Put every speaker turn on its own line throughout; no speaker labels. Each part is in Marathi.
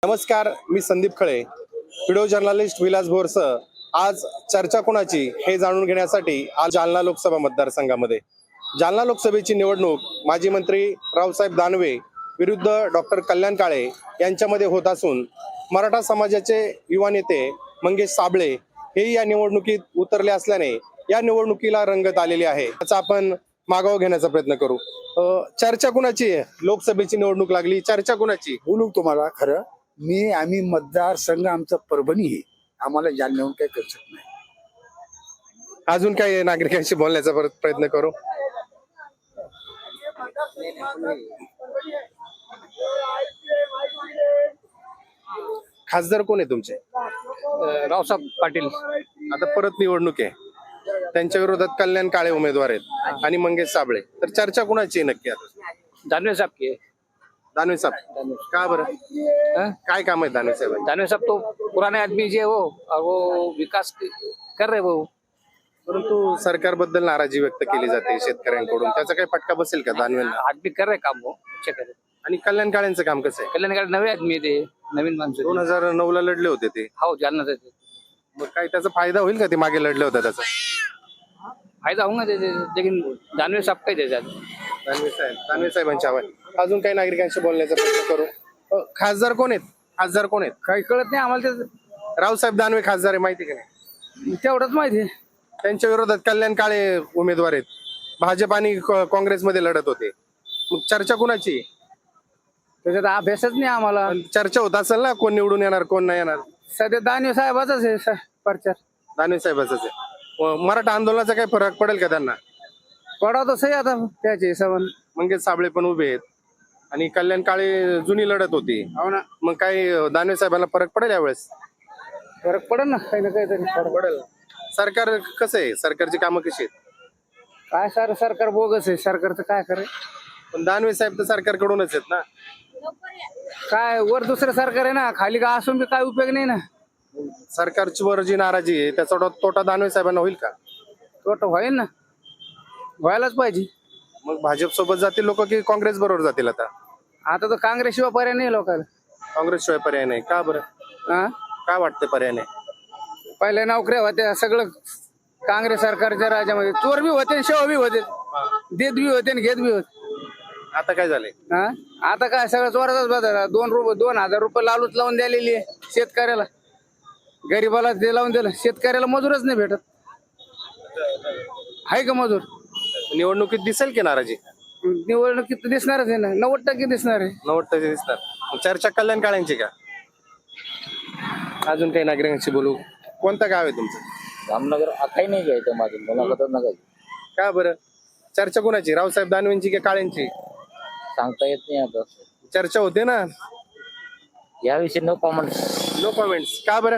नमस्कार, मी संदीप खळे, व्हिडिओ जर्नलिस्ट विलास भोरसह आज चर्चा कोणाची हे जाणून घेण्यासाठी आज जालना लोकसभा मतदारसंघामध्ये जालना लोकसभेची निवडणूक माजी मंत्री रावसाहेब दानवे विरुद्ध डॉक्टर कल्याण काळे यांच्यामध्ये होत असून मराठा समाजाचे युवा नेते मंगेश साबळे हे या निवडणुकीत उतरले असल्याने या निवडणुकीला रंगत आलेली आहे. त्याचा आपण मागोवा घेण्याचा प्रयत्न करू. चर्चा कुणाची आहे? लोकसभेची निवडणूक लागली, चर्चा कुणाची?
बोलू तुम्हाला खरं आम्ही मतदारसंघ आमचा परभणी आहे, आम्हाला जालन्याहून काही करू शकत नाही.
अजून काही नागरिकांशी बोलण्याचा प्रयत्न करू. खासदार कोण आहे तुमचे?
रावसाहेब पाटील.
आता परत निवडणूक आहे, त्यांच्या विरोधात कल्याण काळे उमेदवार आहेत आणि मंगेश साबळे. तर चर्चा कुणाची आहे नक्की आता?
दानवे साहब के.
दानवे साहेब का बरं? काय काम आहे दानवे साहेब?
दानवे साहब तो पुराने आदमी जो है वो, और वो विकास कर रहे वो.
परंतु सरकारबद्दल नाराजी व्यक्त केली जाते शेतकऱ्यांकडून, त्याचा काही फटका बसेल का दानवेंना?
आदमी कर रहे काम वो, अच्छे कर रहे.
आणि कल्याण काळेंचं काम कसं आहे?
कल्याणकडे नवे आदमी ते, नवीन माणसं.
2009 ला लढले होते ते.
हो, जालना ते.
मग काय त्याचा फायदा होईल का? ते मागे लढले होते त्याचा
फायदा होगा ते, लेकिन दानवे साहब काही त्याच्यात.
दानवे साहेबांच्या हवा. अजून काही नागरिकांशी बोलण्याचा प्रयत्न करू. खासदार कोण आहेत? खासदार कोण आहेत?
काही कळत नाही आम्हाला ते,
रावसाहेब दानवे खासदार आहे, माहिती का नाही?
तेवढंच माहिती आहे.
त्यांच्या विरोधात कल्याण काळे उमेदवार आहेत. भाजप आणि काँग्रेसमध्ये लढत होते. मग चर्चा कुणाची?
त्याच्यात अभ्यासच नाही आम्हाला.
पण चर्चा होत असेल ना, कोण निवडून येणार कोण नाही येणार.
सध्या दानवे साहेबाचाच आहे प्रचार.
दानवे साहेबांच आहे. मराठा आंदोलनाचा काही फरक पडेल का त्यांना?
पडा तसंही आता त्याच्या हिशोबाने.
मंगेश साबळे पण उभे आहेत आणि कल्याण काळे जुनी लढत होती.
हो ना,
मग काही दानवे साहेबांना फरक पडेल यावेळेस?
फरक पडेल ना, काही ना काहीतरी फरक
पडेल. सरकार कसं आहे? सरकारची कामं कशी आहेत?
काय सरकार बोगस आहे, सरकारचं काय करे.
पण दानवे साहेब तर सरकारकडूनच आहेत ना.
काय वर दुसरं सरकार आहे ना, खाली का असून बी काय उपयोग नाही ना.
सरकारची वर जी नाराजी आहे त्याचा तोटा दानवे साहेबांना होईल का?
तोटा होईल ना, व्हायलाच पाहिजे.
मग भाजप सोबत जातील लोक की काँग्रेस बरोबर जातील? आता
आता तर काँग्रेस शिवाय पर्याय नाही लोकांना.
काँग्रेस शिवाय पर्याय नाही का बरं?
हा,
काय वाटतं पर्याय नाही?
पहिल्या नोकऱ्या होत्या, सगळं काँग्रेस सरकारच्या राज्यामध्ये. चोर बी होते, शेव बी होते, देत बी होते आणि घेत बी होते.
आता काय झालंय?
हा, आता काय सगळं चोराचाच बदल. 2,000 रुपये लालूच लावून द्यालेली आहे शेतकऱ्याला. गरीबाला ते लावून दिलं, शेतकऱ्याला मजूरच नाही भेटत. आहे का मजूर?
निवडणुकीत दिसेल की नाराजी?
निवडणुकीत दिसणारच आहे ना, 90% दिसणार आहे.
90% दिसणार. मग चर्चा कल्याण काळ्यांची का? अजून काही नागरिकांशी बोलू. कोणतं गाव आहे तुमचं?
रामनगर. काही नाही घ्यायचं माझं, मुलाखतच नका.
का बरं? चर्चा कोणाची? रावसाहेब दानवेंची की काळेंची?
सांगता येत नाही आता,
चर्चा होते ना
याविषयी नो कॉमेंट.
No comments. का बरं?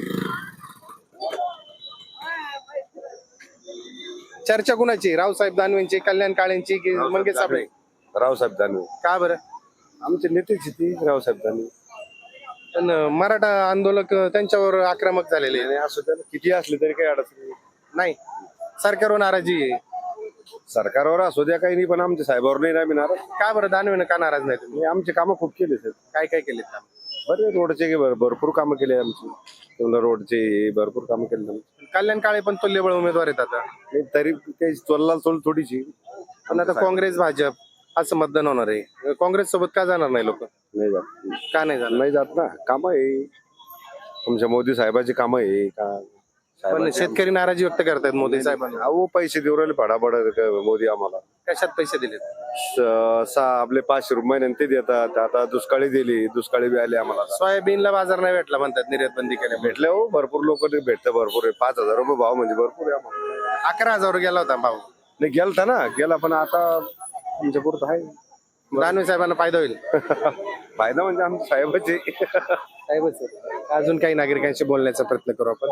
चर्चा कुणाची? रावसाहेब दानवेंची, कल्याण काळेंची की मंगेश साबळे?
रावसाहेब दानवे
का बरं?
आमचे नेतेच ती रावसाहेब दानवे.
पण मराठा आंदोलक त्यांच्यावर आक्रमक झालेले
आणि असं त्याला किती असले तरी काही अडचण
नाही. सरकारवर नाराजी आहे.
सरकारवर असू द्या काही नाही, पण आमच्या साहेबावर नाही ना नाराज.
का बरं? दानवेनं का नाराज नाही तुम्ही?
आमचे कामं खूप केले सर.
काय काय केले काम?
बरे रोडचे भरपूर कामं केले आमची. रोडचे भरपूर कामं केले.
कल्याण काळे पण तुल्यबळ उमेदवार आहेत आता.
नाही, तरी काही चोल थोडीशी.
पण आता काँग्रेस भाजप असं मतदान होणार आहे. काँग्रेस सोबत का जाणार नाही लोक?
नाही जात.
का नाही जाणार?
नाही जात ना, कामं आहे तुमच्या मोदी साहेबाची कामं आहे का?
पण शेतकरी नाराजी व्यक्त करतायत मोदी साहेबांना.
अहो पैसे देऊ राहिले फडाफड मोदी आम्हाला.
कशात पैसे दिलेत?
आपले 500 रुपये ते देतात. आता दुष्काळी दिली, दुष्काळी बी आले आम्हाला.
सोयाबीनला बाजार नाही भेटला म्हणतात, निर्यात बंदी केल्या.
भेटले हो, भरपूर लोक भेटतं, भरपूर आहे. 5,000 रुपये भाव म्हणजे भरपूर आहे आम्हाला.
11,000 गेला होता भाऊ.
नाही गेलता ना, गेला, पण आता आमच्या पुरतं आहे.
दानवे साहेबांना फायदा होईल.
फायदा म्हणजे आमच्या साहेबाचे.
अजून काही नागरिकांशी बोलण्याचा प्रयत्न करू आपण.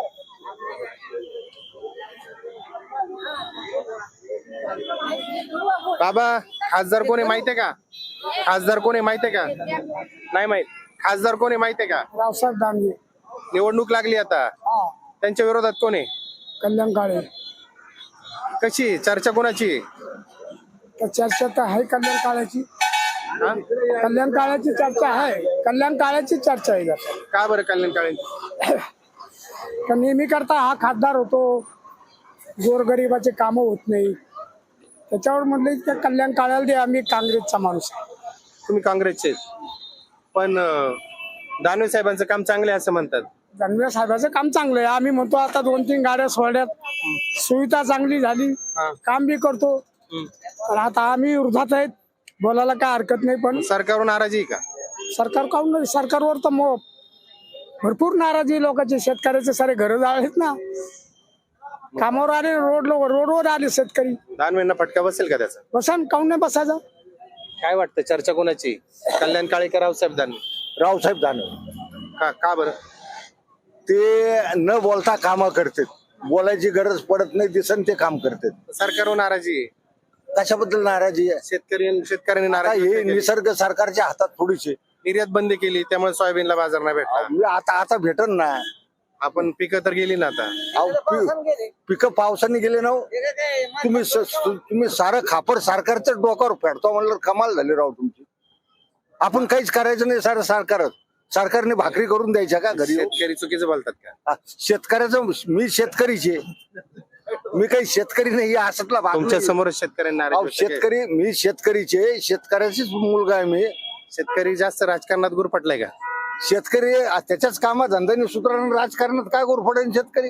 बाबा, खासदार कोण आहे माहितीये का? खासदार कोण आहे माहितीये का? नाही माहित. खासदार कोण आहे माहितीये का?
रावसाहेब दानवे.
निवडणूक लागली आता, त्यांच्या विरोधात कोण आहे?
कल्याण काळे.
कशी चर्चा कोणाची?
तर चर्चा तर आहे कल्याण काळाची. कल्याण काळाची चर्चा आहे.
कल्याण काळ्याची चर्चा आहे जास्त.
का बरं कल्याण काळे?
तर नेहमी करता हा खासदार होतो, गोरगरिबाचे कामं होत नाही, त्याच्यावर म्हटलं की कल्याण काळ्याला दे, आम्ही काँग्रेसचा माणूस आहे.
तुम्ही काँग्रेसचे, पण दानवे साहेबांचं काम चांगले असं म्हणतात.
दानवे साहेबाचं काम चांगलं आहे. आम्ही म्हणतो आता 2-3 गाड्या सोडल्यात, सुविधा चांगली झाली,
हा.
काम बी करतो. पण आता आम्ही वृद्धात आहेत, बोलायला काय हरकत नाही. पण
सरकारवर नाराजी आहे का?
सरकार काहून नाही? सरकारवर तर भरपूर नाराजी लोकांचे. शेतकऱ्याचे सारे घर जाळलेत ना, कामावर आले, रोडवर आले शेतकरी.
दानवेंना फटका बसेल का त्याचा?
बसन काहून नाही बसायचा?
काय वाटतं, चर्चा कोणाची, कल्याण काळे का रावसाहेब दानवे?
रावसाहेब दानवे
का बरं?
ते न बोलता कामं करतात, बोलायची गरज पडत नाही, दिसन ते काम करतात.
सरकारवर नाराजी आहे,
कशाबद्दल नाराजी आहे?
शेतकऱ्यांनी
आता
नाराजी
हे
व्यक्त केली.
निसर्ग सरकारच्या हातात थोडीशी.
निर्यात बंदी केली त्यामुळे सोयाबीनला बाजार नाही भेटला.
आता भेटन ना.
आपण पिकं तर गेली ना आता.
पिकं पावसाने गेले ना हो. तुम्ही सारं खापर सरकारच्या डोक्यावर फेडतो म्हणलं, कमाल झाली राव तुमची. आपण काहीच करायचं नाही, सारं सरकारने भाकरी करून द्यायच्या का घरी?
शेतकरी चुकीचं बोलतात का?
शेतकऱ्याचं, मी शेतकरीचे, मी काही शेतकरी नाही असतला भाग
तुमच्या
नाही.
समोर शेतकऱ्यांना नाराजी व्यक्त केली.
शेतकरी, मी शेतकरीचे, शेतकऱ्याचीच मुलगा आहे मी.
शेतकरी जास्त राजकारणात गुरफटलाय का?
शेतकरी त्याच्याच कामात धंद्याने सुधारण, राजकारणात काय गोरफडेन शेतकरी?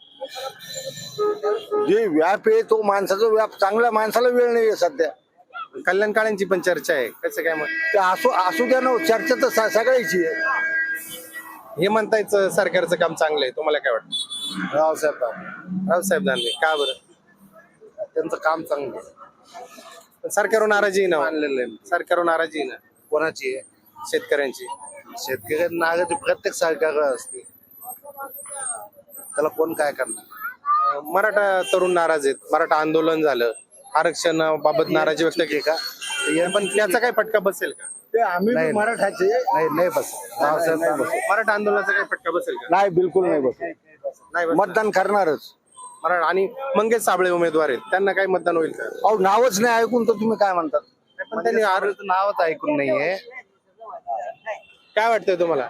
जे व्याप आहे तो माणसाचा व्याप, चांगल्या माणसाला वेळ नाहीये सध्या.
कल्याण काळ्यांची पण चर्चा आहे, कसं काय मग?
ते असू द्या ना, चर्चा तर सगळ्याची आहे.
हे म्हणतायच सरकारचं काम चांगलं आहे, तुम्हाला काय वाटतं? रावसाहेब दानवे का बरं?
त्यांचं काम चांगलं आहे.
पण सरकारवर नाराजी आहे ना, सरकारवर नाराजी आहे ना.
कोणाची आहे?
शेतकऱ्यांची.
शेतकऱ्यांना नाराजी प्रत्येक सरकार असते, त्याला कोण काय करणार?
मराठा तरुण नाराज आहेत, मराठा आंदोलन झालं, आरक्षणाबाबत नाराजी व्यक्त केली का? पण त्याचा काय फटका बसेल का?
ते आम्ही मराठाचे नाही बस.
मराठा आंदोलनाचा काय फटका बसेल का?
नाही, बिलकुल नाही बस.
नाही बसणार.
मतदान करणारच.
मराठा आणि मंगेश साबळे उमेदवार आहेत, त्यांना काय मतदान होईल का?
अहो, नावच नाही ऐकून तर तुम्ही काय म्हणतात?
पण त्यांनी
नावच ऐकून नाहीये.
काय वाटतंय तुम्हाला?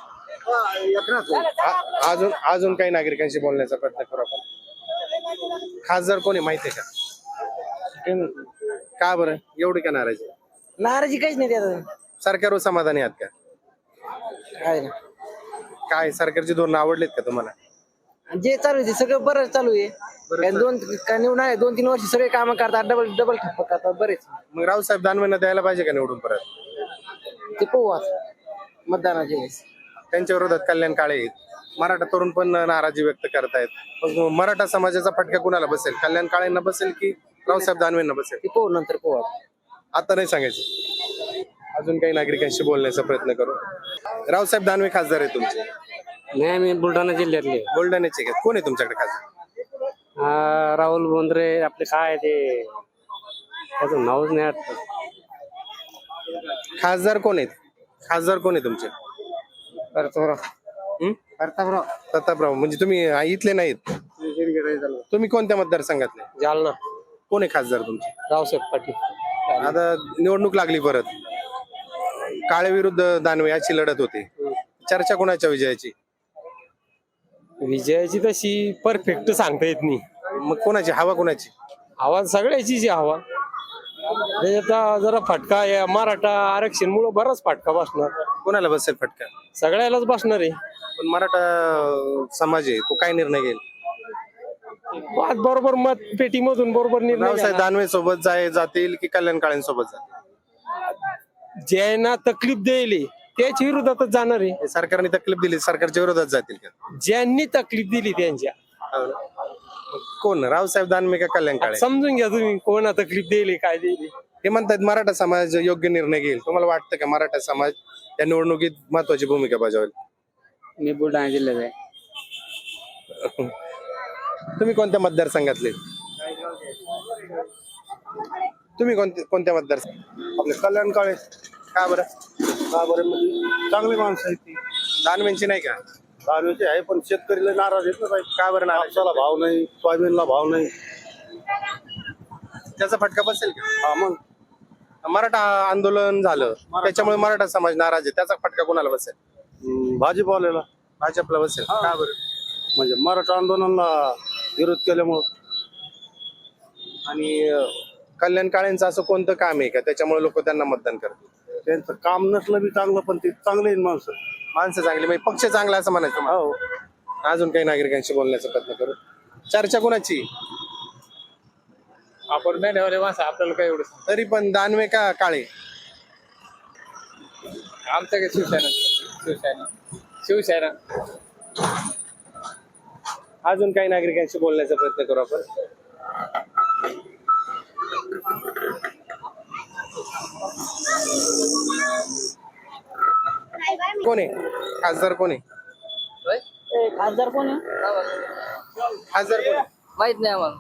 अजून काही नागरिकांशी बोलण्याचा प्रयत्न करू आपण. खासदार कोणी माहितीये का? का बरं एवढी का नाराजी?
नाराजी काहीच नाही त्यात.
सरकारवर समाधानी आहात का?
काय ना,
काय सरकारची धोरणं आवडलीत का तुम्हाला?
जे चालू आहे ते सगळं बरं चालू आहे. काय निवडून आहे 2-3 वर्ष सगळे काम करतात, डबल ठप्प करतात बरेच.
मग रावसाहेब दानवेंना द्यायला पाहिजे का निवडून परत?
ते पाहू आता मतदानाच्या वेळेस.
त्यांच्या विरोधात कल्याण काळे आहेत, मराठा तरुण पण नाराजी व्यक्त करतायत. मग मराठा समाजाचा फटका कुणाला बसेल? कल्याण काळेंना बसेल की रावसाहेब दानवेंना बसेल?
ते पाहू नंतर पाहू आता.
आता नाही सांगायचं. अजून काही नागरिकांशी बोलण्याचा प्रयत्न करू. रावसाहेब दानवे खासदार आहे तुमचे?
नाही, आम्ही बुलढाणा जिल्ह्यातले.
बुलढाण्याचे का? कोण आहे तुमच्याकडे खासदार?
राहुल बोंद्रे आपले काय ते, त्याचं नावच नाही आठवत.
खासदार कोण आहेत? खासदार कोण आहे तुमचे? प्रतापराव. म्हणजे तुम्ही इथले नाहीत? तुम्ही कोणत्या मतदारसंघातले?
जालना.
कोण आहे खासदार तुमचे?
रावसाहेब पाटील.
आता निवडणूक लागली परत, काळे विरुद्ध दानवे याची लढत होती. चर्चा कोणाच्या विजयाची?
विजयाची तशी परफेक्ट सांगता येत नाही.
मग कोणाची हवा? कोणाची
आवाज सगळ्याची जी हवा. त्याच्यात जरा फटका या मराठा आरक्षण मुळे बराच फटका बसणार.
कोणाला बसेल फटका?
सगळ्यालाच बसणार आहे.
पण मराठा समाज आहे, तो काय निर्णय घेईल?
आज बरोबर मत पेटीमधून बरोबर निर्णय
रावसाहेब
घेणार.
दानवे सोबत जातील की कल्याण काळेंसोबत जातील?
ज्यांना तकलीफ द्यायली त्याच्या विरोधातच जाणार आहे.
हे सरकारने तकलीफ दिली, सरकारच्या विरोधात जातील का?
ज्यांनी तकलीफ दिली त्यांच्या.
कोण? रावसाहेब दानवे का कल्याण काळे?
समजून घ्या तुम्ही कोणा तकलीफ दिली काय दिली.
हे म्हणतात मराठा समाज योग्य निर्णय घेईल. तुम्हाला वाटतं का मराठा समाज या निवडणुकीत महत्वाची भूमिका बजावेल?
मी बुलढाणा जिल्ह्यात आहे.
तुम्ही कोणत्या मतदारसंघातले? तुम्ही कोणत्या मतदारसंघ?
आपले कल्याण काळे.
का बरं?
म्हणजे चांगली माणसं आहेत ती.
दानवेंची नाही का?
दानवेचे आहे, पण शेतकरीला नाराज आहेत ना साहेब.
का बरं नाराज?
कापसाला भाव नाही, सोयाबीनला भाव नाही.
त्याचा फटका बसेल का?
हा मग
मराठा आंदोलन झालं त्याच्यामुळे मराठा समाज नाराज आहे, त्याचा फटका कोणाला बसेल?
भाजीपाल्याला
भाजपला बसेल. का बरं?
म्हणजे मराठा आंदोलनाला विरोध केल्यामुळं.
आणि कल्याण काळेंचं असं कोणतं काम आहे का त्याच्यामुळे लोक त्यांना मतदान करतील?
त्यांचं काम नसलं बी चांगलं, पण ते चांगले आहेत माणसं.
माणसं चांगली म्हणजे पक्ष चांगला असं म्हणायचं मला.
हो.
अजून काही नागरिकांशी बोलण्याचा प्रयत्न करू. चर्चा कोणाची?
आपण नाही ठेवले माणसं, आपल्याला काय एवढं
तरी पण दानवे का काळे?
आमचं काय शिवसेना
अजून काही नागरिकांशी बोलण्याचा प्रयत्न करू आपण. कोण आहे खासदार? कोण आहे
खासदार कोण आहे
खासदार? कोण आहे?
माहित नाही आम्हाला.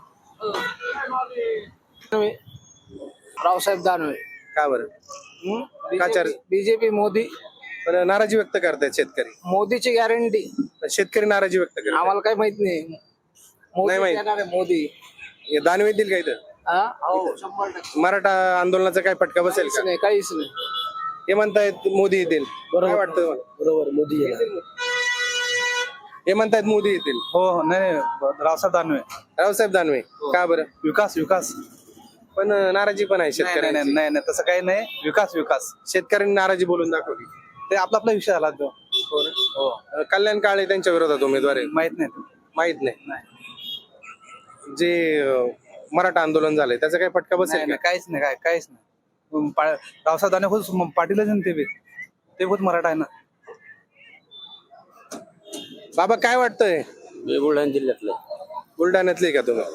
रावसाहेब दानवे.
का बरं? का
बीजेपी मोदी.
पण नाराजी व्यक्त करतायत शेतकरी.
मोदीची गॅरंटी.
पण शेतकरी नाराजी व्यक्त करतात.
आम्हाला काही माहित नाही.
नाही माहित.
येणार आहे मोदी.
हे दानवे येतील का इथं?
हा? हो, 100%.
मराठा आंदोलनाचा काय फटका बसेल का?
नाही, काहीच नाही.
हे म्हणतायत मोदी येतील. काय वाटतं तुम्हाला?
बरोबर, मोदी येणार.
हे म्हणतायत मोदी येतील.
हो नाही रावसाहेब दानवे.
रावसाहेब दानवे. का बरं?
विकास
पण नाराजी पण आहे शेतकऱ्यांची.
नाही तसं काही नाही. विकास
शेतकऱ्यांनी नाराजी बोलून दाखवली.
ते आपला विषय आला तो.
कल्याण काळे त्यांच्या विरोधात उमेदवार आहे.
माहित नाही.
माहित नाही. जे मराठा आंदोलन झालंय त्याचा काही फटका बसेल का?
काहीच नाही. रावसाहेब दानवे खुद पाटीलच ते खुद मराठा आहे ना.
बाबा काय वाटतंय?
बुलढाणा जिल्ह्यातलं
बुलढाण्यातले का तुम्ही?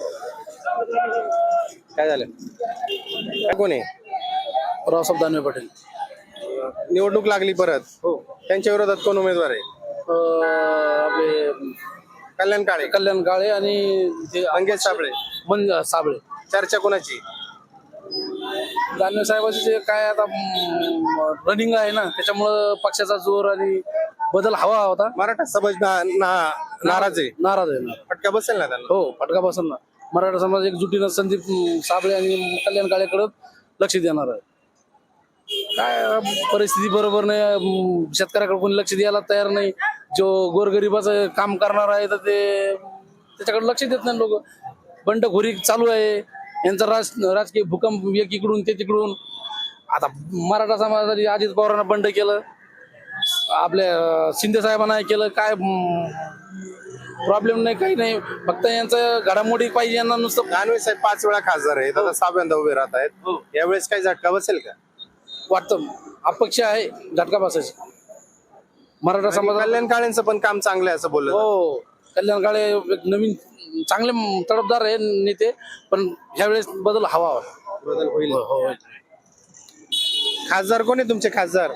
काय झालं? काय कोण आहे?
रावसाहेब दानवे पाटील.
निवडणूक लागली परत. त्यांच्या विरोधात कोण उमेदवार आहे?
आपले
कल्याण काळे.
कल्याण काळे आणि
मंगेश साबळे.
साबळे.
चर्चा कोणाची?
दानवे साहेबांचे जे काय आता रनिंग आहे ना, त्याच्यामुळं पक्षाचा जोर आणि बदल हवा होता.
मराठा समाज नाराज आहे.
नाराज आहे ना.
फटका बसेल ना त्यांना?
हो, फटका बसेल ना. मराठा समाज एकजुटीनं संदीप साबळे आणि कल्याण काळेकडे लक्ष देणार आहे. काय परिस्थिती बरोबर नाही, शेतकऱ्याकडे कोणी लक्ष द्यायला तयार नाही. जो गोरगरिबाचं काम करणार आहे तर ते त्याच्याकडे लक्ष देत नाही लोक. बंडखोरी चालू आहे यांचा. राजकीय भूकंप एकीकडून ते तिकडून. आता मराठा समाजासाठी अजित पवारांना बंड केलं, आपल्या शिंदे साहेबांना केलं. काय प्रॉब्लेम नाही, काही नाही. फक्त यांचं घडामोडी पाहिजे यांना नुसतं.
दानवे साहेब 5 वेळा खासदार आहेत, आता 6व्यांदा उभे राहत आहेत. यावेळेस काही झटका बसेल का?
वाटतं अपेक्षा आहे झटका बसायची. मराठा समाज.
कल्याण काळेंचं पण काम चांगलं आहे असं बोललं.
हो, कल्याण काळे एक नवीन चांगले तडफदार आहे नेते, पण ह्यावेळेस बदल हवा.
बदल होईल.
हो.
खासदार कोण आहे तुमचे? खासदार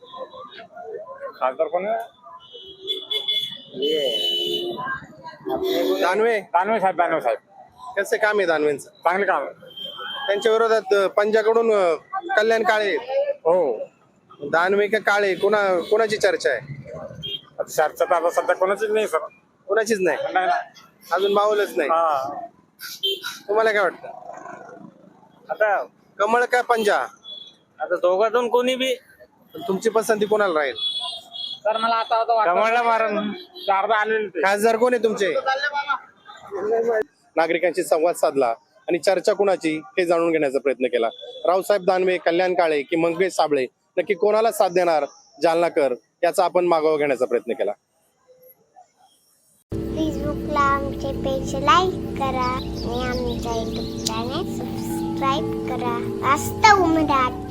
कोण?
दानवे.
दानवे साहेब
कसे काम आहे दानवेंचं?
चांगले काम.
त्यांच्या विरोधात पंजाकडून कल्याण काळे.
हो,
दानवे का काळे कोणाची चर्चा आहे?
चर्चा तर आता सध्या कोणाचीच नाही सर.
कोणाचीच नाही. अजून मावलच नाही. तुम्हाला काय वाटतं?
आता
कमळ का पंजा?
आता दोघातून कोणी बी.
तुमची पसंती कोणाला राहील?
तर मला आता
कमळला मारण अर्धा आलेले.
खासदार कोण आहे तुमचे? नागरिकांशी संवाद साधला आणि चर्चा कुणाची हे जाणून घेण्याचा प्रयत्न केला. रावसाहेब दानवे, कल्याण काळे की मंगेश साबळे, नक्की कोणाला साथ देणार जालनाकर याचा आपण मागोवा घेण्याचा प्रयत्न केला.
फेसबुकला आमचे पेज लाईक करा आणि आमच्या युट्यूब चॅनेल सबस्क्राईब करा. वास्तव मराठी.